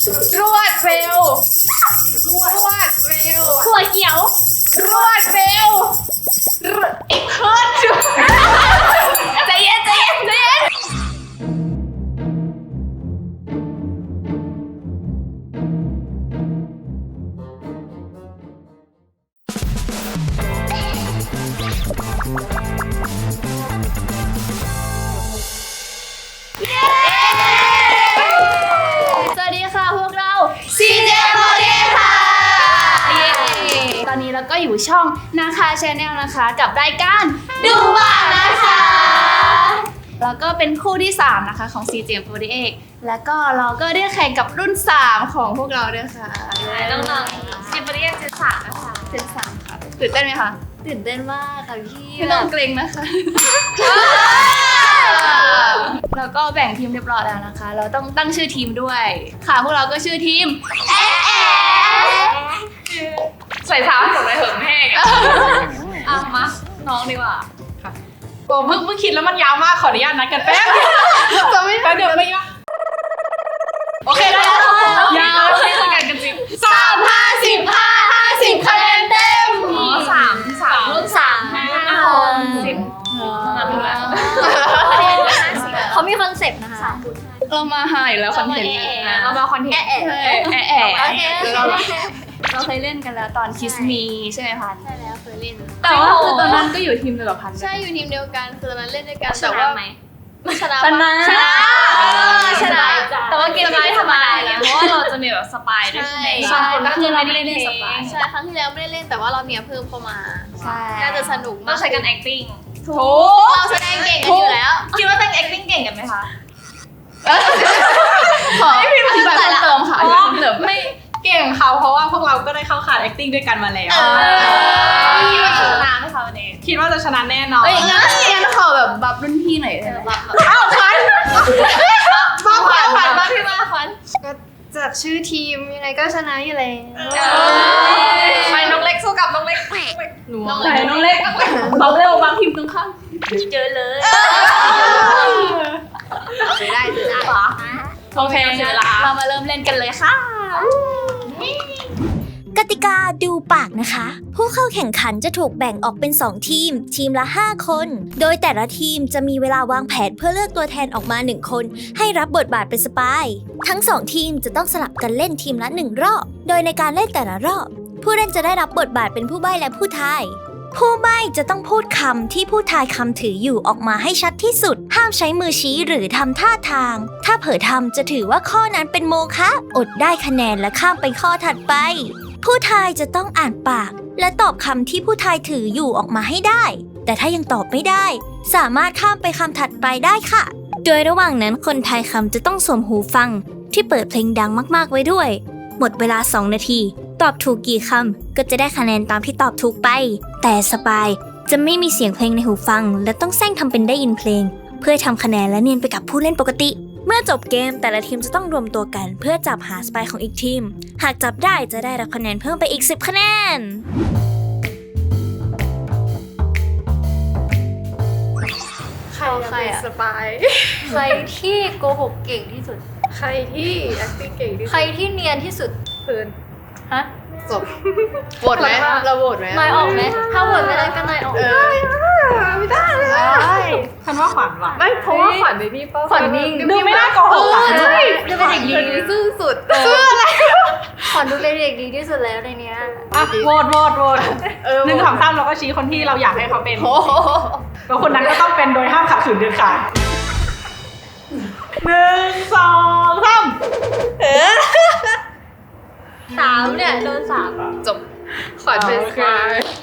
รวดเร็วรวดเร็วถั่วเขียวรวดเร็วเพิร์ดใจเย็นใจเย็นใจเย็นสวัสดีค่ะพวกเรา CJ Model ค่ะตอนนี้เราก็อยู่ช่องนะคะชาแนลนะคะกับรายการดูบ้านนะคะแล้วก็เป็นคู่ที่3นะคะของ CJ48 แล้วก็เราก็ได้แข่งกับรุ่น3ของพวกเราด้วยค่ะน้องๆCJ48เจน3นะคะเจน3ค่ะตื่นเต้นไหมคะตื่นเต้นมากค่ะพี่ไม่ต้องเกรงนะคะแล้วก็แบ่งทีมเรียบร้อยแล้วนะคะเราต้องตั้งชื่อทีมด้วยค่ะพวกเราก็ชื่อทีมใส่เท้าให้ผมเลยเหิมแห้งมาน้องดีกว่าค่ะโอ้เพิ่งคิดแล้วมันยาวมากขออนุญาตนัดกันแป๊บจะไม่เดี๋ยวไม่ยาวโอเคได้แล้วยาวให้คุยกันจริง50คะแนนเต็ม3รุ่นเขามีคอนเซ็ปต์นะคะเรามาหาอยู่แล้วคอนเทนต์เรามาคอนเทนต์เราเคยเล่นกันแล้วตอนคิสมีใช่ไหมพันใช่แล้วเคยเล่นแต่ว่าคือตอนนั้นก็อยู่ทีมเดียวกับพันใช่อยู่ทีมเดียวกันคือตอนนั้นเล่นด้วยกันแต่ว่าชนะแต่ว่าเกมไม่ธรรมดาเพราะว่าเราจะมีแบบสปายด้วยใช่ไหมใช่ก็คือเราไม่ได้เล่นสปายใช่ครั้งที่แล้วไม่ได้เล่นแต่ว่าเราเนี่ยเพิ่มเข้ามาใช่น่าจะสนุกมากต้องใช้กัน acting ถูกเราแสดงเก่งกันอยู่แล้วคิดว่าเป็น acting เก่งกันไหมคะขออธิบายเพิ่มเติมค่ะไม่เก่งเขาเพราะว่าพวกเราก็ได้เข้าขาด acting ด้วยกันมาแล้วคิดว่าจะชนะไหมคะวันนี้คิดว่าจะชนะแน่นอนงั้นขอแบบบัฟรุ่นพี่หน่อยได้ไหมอ้าวขวัญมาพี่มาขวัญก็จากชื่อทีมยังไงก็ชนะอยู่แล้วไปน้องเล็กสู้กับน้องเล็กน้องเล็กบัฟเร็วบางทีมตรงข้ามเจอเลยได้โอเคเรามาเริ่มเล่นกันเลยค่ะกติกาดูปากนะคะ ผู้เข้าแข่งขันจะถูกแบ่งออกเป็น2ทีมทีมละ5คนโดยแต่ละทีมจะมีเวลาวางแผนเพื่อเลือกตัวแทนออกมา1คนให้รับบทบาทเป็นสปายทั้ง2ทีมจะต้องสลับกันเล่นทีมละ1รอบโดยในการเล่นแต่ละรอบผู้เล่นจะได้รับบทบาทเป็นผู้ใบ้และผู้ทายผู้ใบ้จะต้องพูดคำที่ผู้ทายคำถืออยู่ออกมาให้ชัดที่สุดห้ามใช้มือชี้หรือทำท่าทางถ้าเผลอทำจะถือว่าข้อนั้นเป็นโมฆะอดได้คะแนนและข้ามไปข้อถัดไปผู้ทายจะต้องอ่านปากและตอบคำที่ผู้ทายถืออยู่ออกมาให้ได้แต่ถ้ายังตอบไม่ได้สามารถข้ามไปคำถัดไปได้ค่ะโดยระหว่างนั้นคนทายคำจะต้องสวมหูฟังที่เปิดเพลงดังมากๆไว้ด้วยหมดเวลา2นาทีตอบถูกกี่คำก็จะได้คะแนนตามที่ตอบถูกไปแต่สปายจะไม่มีเสียงเพลงในหูฟังและต้องแซงทำเป็นได้ยินเพลงเพื่อทำคะแนนและเนียนไปกับผู้เล่นปกติเมื่อจบเกมแต่ละทีมจะต้องรวมตัวกันเพื่อจับหาสปายของอีกทีมหากจับได้จะได้รับคะแนนเพิ่มไปอีก10คะแนนใครอะสปายใครที่โกหกเก่งที่สุดใครที่ acting เก่งที่สุดใครที่เนียนที่สุดเพื่อนฮะจบโหวตไหมเราโหวตไหมนายออกไหมถ้าโหวตไม่ได้ก็นายออกไม่ได้เลยฉันว่าขวัญว่ะไม่เพราะว่าขวัญในนี่ป่ะขวัญนิ่งดูไม่น่าโกหกใช่ดูเป็นเด็กดีซื่อสุดซื่ออะไรขวัญดูเป็นเด็กดีที่สุดแล้วในนี้โหวต1 2 3เราก็ชี้คนที่เราอยากให้เขาเป็นแล้วคนนั้นก็ต้องเป็นโดยห้ามขัดขืนเด็ดขาด1 2 3เนี่ยโดน3 จบขวัญเป็นใคร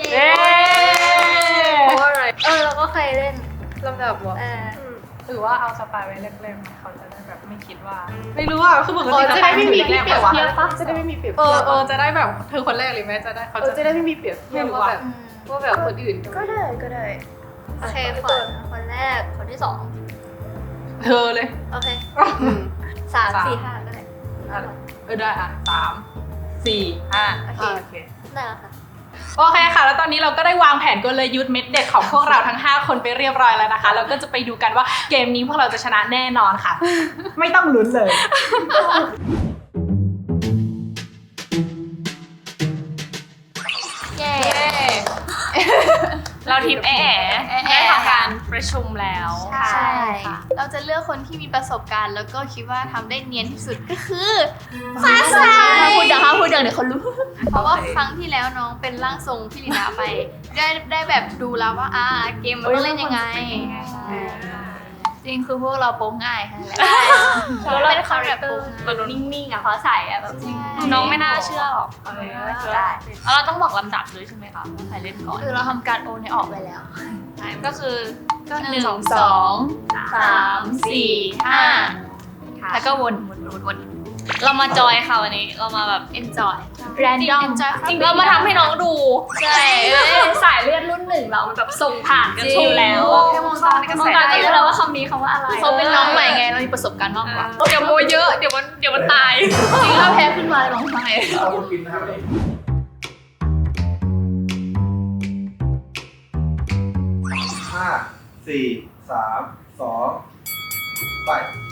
เพราะอะไรเราก็เคยเล่นลำดับวะหรือว่าเอาสปายไว้เล่มๆเขาจะได้แบบไม่คิดว่าไม่รู้อ่ะคือปกติจะได้ไม่มีเปรียบจะได้ไม่มีเปรียบจะได้แบบเธอคนแรกเลยไหมจะได้เขาจะได้ไม่มีเปรียบไม่รู้ว่าแบบคนอื่นก็ได้โอเคคนแรกคนที่2 เธอเลยโอเค3 4 5ก็ได้ได้อ่ะ3 4 5โอเคได้แล้วค่ะโอเคค่ะแล้วตอนนี้เราก็ได้วางแผนกลยุทธ์เม็ดเด็ดของพวกเราทั้ง5คนไปเรียบร้อยแล้วนะคะเราก็จะไปดูกันว่าเกมนี้พวกเราจะชนะแน่นอนค่ะไม่ต้องลุ้นเลยเราทีมแอ๋ได้ทำการประชุมแล้วใช่ค่ะเราจะเลือกคนที่มีประสบการณ์แล้วก็คิดว่าทำได้เนียนที่สุดก็คือฟ้าใสพูดดังเดี๋ยวเขารู้ เพราะว่าครั้งที่แล้วน้องเป็นร่างทรงพี่ลีนาไป ได้แบบดูแล้วว่าเกมมันต้องเล่นยังไงจริงคือพวกเราโป๊งง่ายค่ะเราเป็นคนแบบโป๊งมันนิ่งๆอ่ะเพราะใส่อ่ะแบบน้องไม่น่าเชื่อหรอกแล้วเราต้องบอกลำดับด้วยใช่ไหมคะว่าใครเล่นก่อนคือเราทำการโอนให้ออกไปแล้วก็คือ 1 2 3 4 5แล้วก็วนเรามาจอยค่ะวันนี้เรามาแบบ enjoy random จริงเรามาทำให้น้องดูใช่สายเลือดรุ่นหนึ่งเรามันแบบส่งผ่านกันชมแล้วแค่มองตานี่ก็มองใส่ตาได้ก็รู้แล้วว่าคำนี้คำว่าอะไรเขาเป็นน้องใหม่ไงเรามีประสบการณ์มากกว่าเดี๋ยวโมเยอะเดี๋ยวมันตายจริงถ้าแพ้ขึ้นมาร้องไห้เอาคนกินนะครับห้าสี่สามสองไป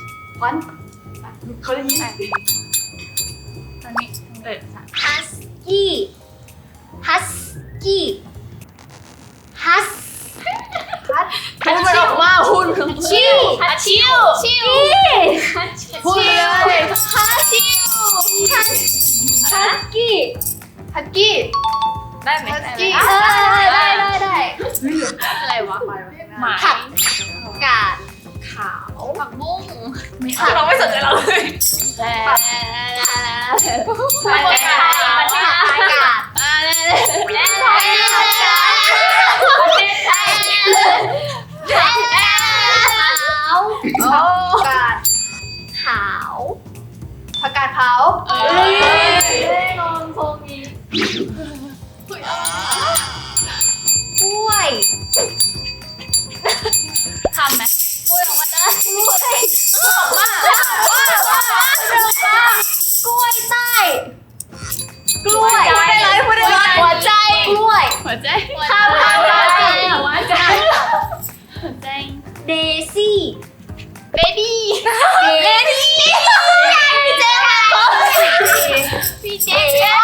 เขาจะยิ้มตอนนี้ฮัสกี้ฮัสกี้ฮัสพูดมันออกมาหุ่นชิวชิวพูดเลยฮัชิวฮัสกี้ฮักกี้ได้ไหมกี้ได้อะไรวะหมายผักกาดขาวผักบุ้งคือน้องไม่สนใจเราเลยผักกาดขาวผักกาดเผานอนโฟงีกล้วยทำไหมพูดออกมานะกล้วยกล้วยใต้กล้วยหัวใจกล้วยหัวใจข้าวหัวใจหัวใจเดซี่เบบี้เดซี่พี่เจ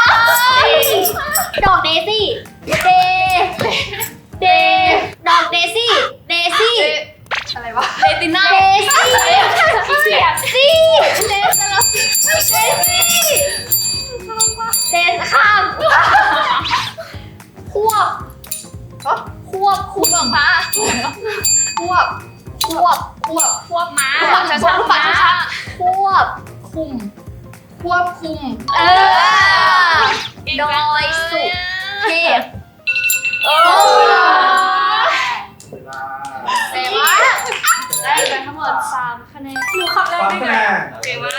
ดอกเดซี่เดดอกเดซี่อะไรวะเลติน่าเดซี่เดข้ามควบคุมของพระควบม้าควบช้าควบคุม ดอยสุเทพเวลาเสวะได้ไปทั้งหมด3คะแนนดูคำแรกสามได้คะไงแนนเก่งมาก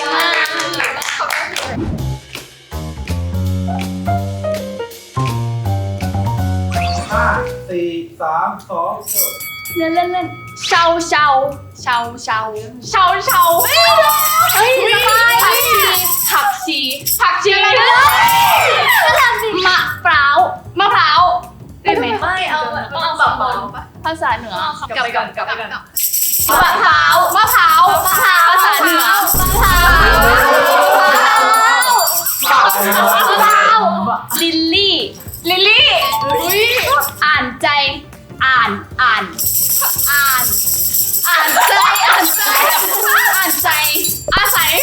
ห้าสี่สามสองจบเล่นเชาเฮ้ยสบายผักชีอะไรนะมะพร้าวได้ไหมไม่เอาต้องเอาแบบบอลภาษาเหนือกลับไปก่อนมะพร้าวภาษาเหนือ ลิลลี่อ่านใจอ่านใจอาศัย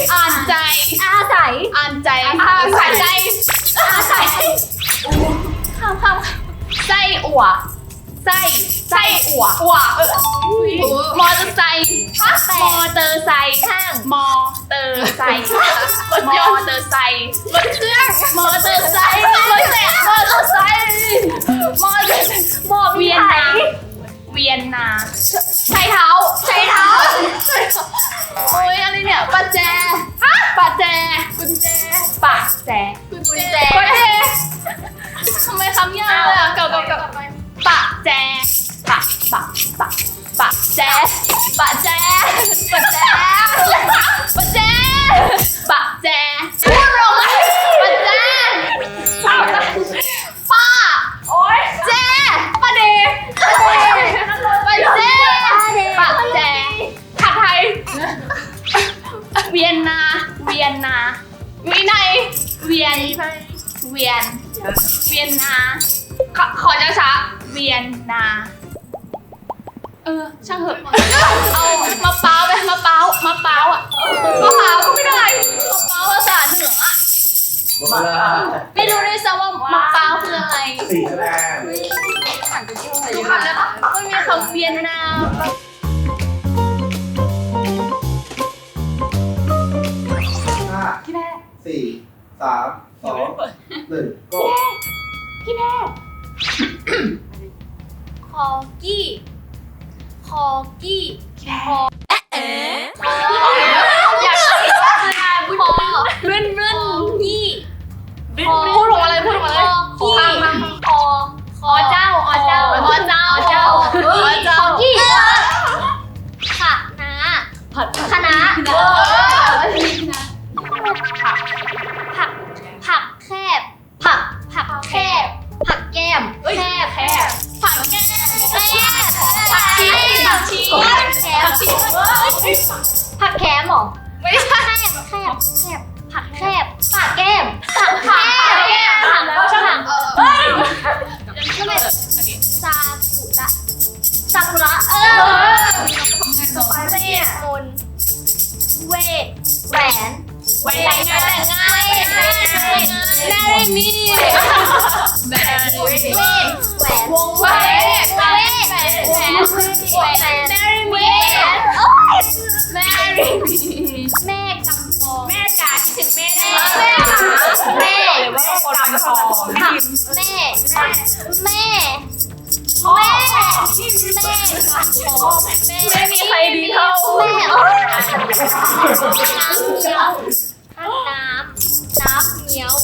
ข้ามไส้อั่วมอเตอร์ไซค์รถเครื่องมอเตอร์ไซค์เวียนนาใช้เท้าโอ้ยอะไรเนี่ยกุญแจทำไมคำยากเลยอ่ะกับปะแจพูดลงมาปะแจป้าโอ๊ยแจป้าเดปะแจผัดไทยเวียนนาวินัยเวียนนาขอช้าๆเวียนนาช่างเหอะเอามะพร้าวไปมะพร้าวอ่ะมะพร้าวก็ไม่ได้มะพร้าวภาษาเหนืออะหมดเวลาไม่รู้ด้วยซ้ำว่ามะพร้าวคืออะไร 4 คะแนนดูคำได้ปะมันมีคำเวียนนา 5 พี่แม่ 4 3 2 1 go พี่แม่คอกี้คอกี้คออยากคิดว่าคืออะไรพูดคอรื่นกี้พูดของอะไรพูดของอะไรคอคอเจ้าคอกี้ค่ะนะคณะผักแคบผักแคบผักแก้มแคบผักแก้มแคบผักชีผักแคมหรอไม่ใช่แคบผักแคบปากแก้มผักแคบผักแล้วช่างซากุระสไปซี่มนเวทแหวนแต่งงานแม่ได้มีแหวนวงแหวนแม่กำปองแม่จ๋าคิดถึงแม่ได้แม่คนกำปองแม่ไม่มีใครดีเท่าแม่น้ำเงี้ยว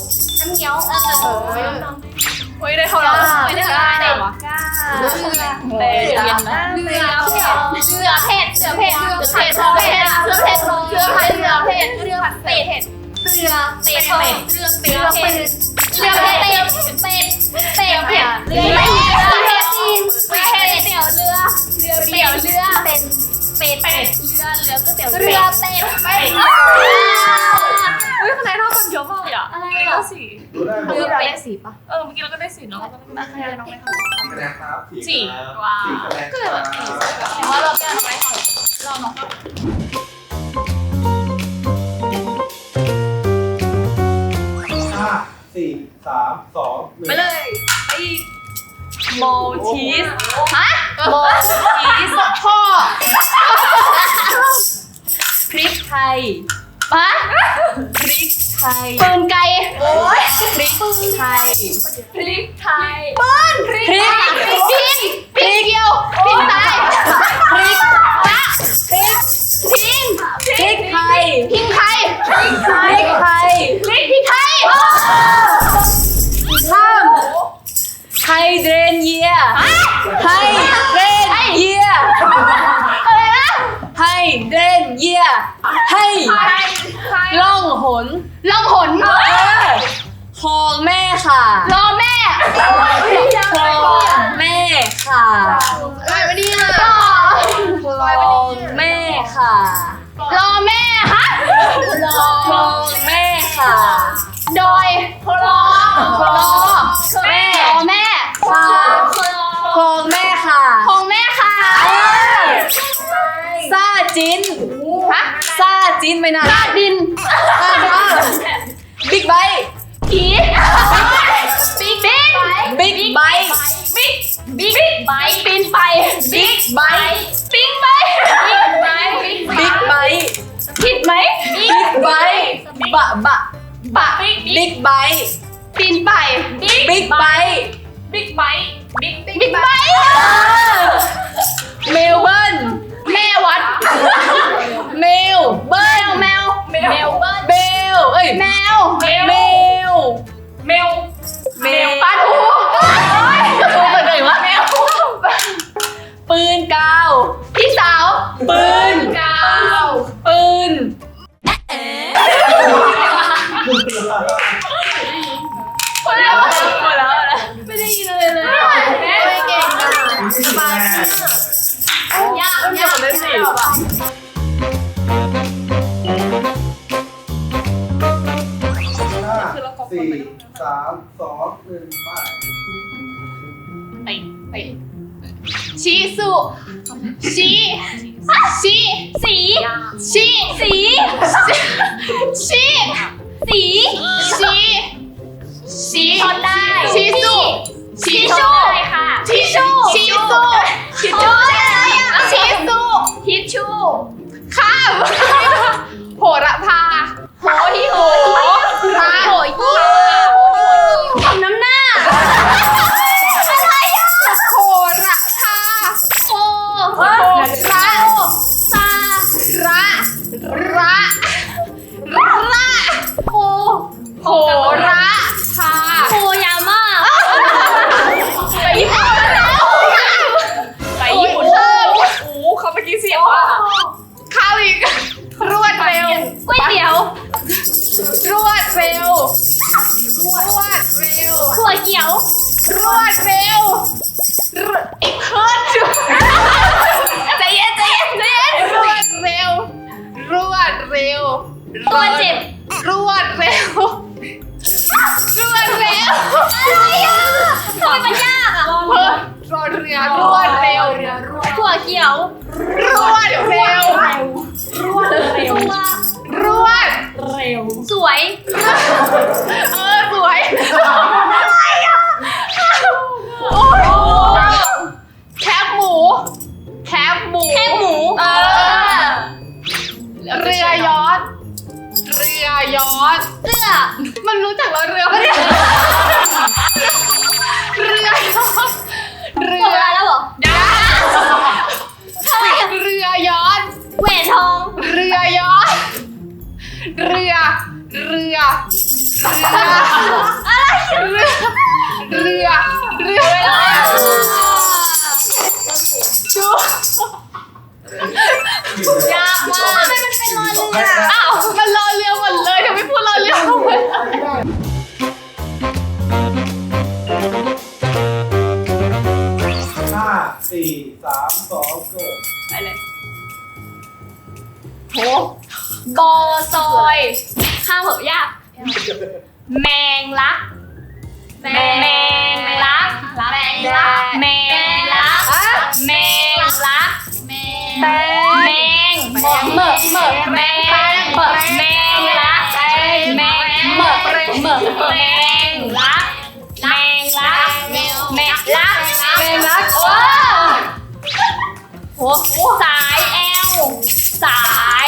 เฮ้ยได้เท่าไหร่ไม่ได้ได้หรอเรือเผ็ดอุ้ยคะแนนเท่ากันเยอะมากเลยอ่ะอะไรอ่ะสี่ดูได้ไหมเรือเป็นสี่ป่ะเมื่อกี้เราก็ได้สี่เนาะคะแนนน้องไม่เท่าคะแนนครับสี่ว้าว4 คะแนนครับแต่ว่าเราแก้ทำไมเราน้องก็ 5 4 3 2 1 ไปเลยไปอีกมอลชีสฮะมอลชีสพ่อพริกไทยฮะพริกไทยปืนไก่โอ้ยพริกไทยปืนพริกเดียวพริกไทยพริกตะพริกไทยข้ามไฮเดรนเยียให้ล่องหนคลองแม่ค่ะคลองแม่ค่ะอะไรวะเนี่ยคลองแม่ค่ะคลองแม่ค่ะดอยคลองแม่ค่ะคลองแม่ค่ะซาจินไม่น่าซาดินบิ๊กไบค์ผีบิ๊กไบค์ปีนไปบิ๊กไบค์ผิดไหมบิ๊กไบค์บิ๊กไบค์ปีนไปบิ๊กไบค์เมลเบิร์นแม่วัดเมลเบิร์นแมวปลาทูเกิดวะปืนกาวพี่สาวปืนหมดแล้วไม่ได้ยินเลยไม่เก่งนะสบายยากเลยสิ 4 3 2 1 ไปชีสุชีชีสีชีสีชีสีชีชีชนได้ชีสุชีชูค่ะชีชูชีสุชีชูชีสุทิชชูข้ามโหระพาโหที่โหระโหยี่ทำน้ำหน้าอะไรอ่ะโหระพาโหระซาระระโหระพาโหยาม่าไปญี่ปุ่นแล้วไปญี่ปุ่นโอ้เขาเมื่อกี้เสียงว่าข้าวอีกรวดเร็วก๋วยเตี๋ยวรวดเร็วถั่วเขียวรวดเร็วอีกขึ้นใจเย็นรวดเร็วตัวเจ็บรวดเร็วอะไรอ่ะทำไมมันยากอ่ะรอเรือรวดเร็วถั่วเขียวรวดเร็วสวยสวยอะไรอ่ะโอ้แคบหมูเรือยอชต์เรือมันรู้จักเราเรือปะเนี่ยเรือยอชต์เรือแล้วเหรอเรือยอชต์แหวนทองเรือยอชต์เรือยากมากทำไมมันเป็นรอเรืออ้าวมันรอเรือหมดเลยทำไมพูดรอเรือหมด 5 4 3 2 go ไปเลยโหบอซอยข้าวเหอะยากแมงลักแมงลักแมงลักแมงลักโอ้สายแอลสาย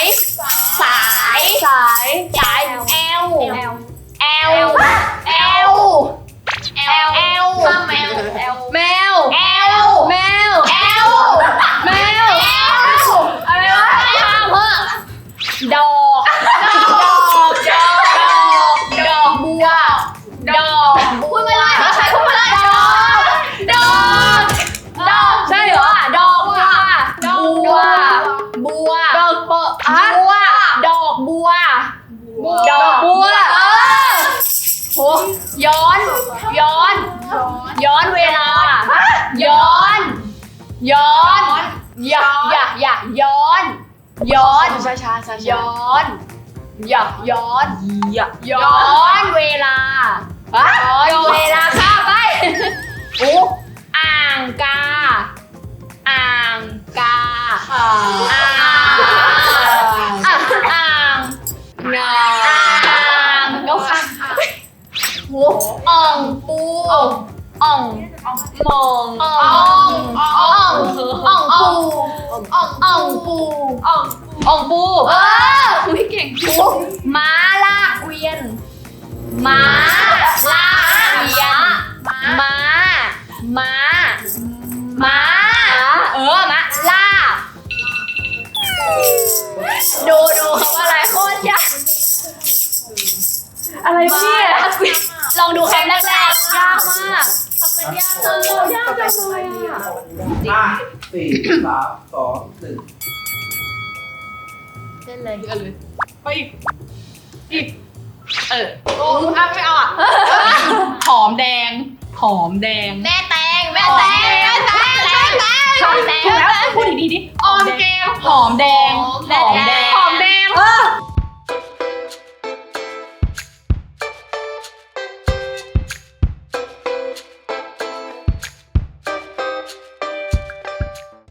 แอลแมวอะไรวะดอกบัวพูดไม่ได้ใครพูดไม่ได้ดอกใช่เหรอดอกบัวดอกบัวดอกโหย้อนเวลาย้อนช้าย้อนเวลาข้าไปอ่างกาแล้วค่ะอ่องปูอ่องปูไม่เก่งม้าลากเกวียนม้าลากเกวียนม้าลากดูคำว่าอะไรโคตรยากอะไรเนี่ยลองดูคำแรกๆยากมากยากจังเลยอ่ะ 5 4 3 2 1 เล่นเลยไปอีกโอ้ไม่เอาอ่ะหอมแดงแม่แตงถูกแล้วพูดดีๆดิออมแกงหอมแดง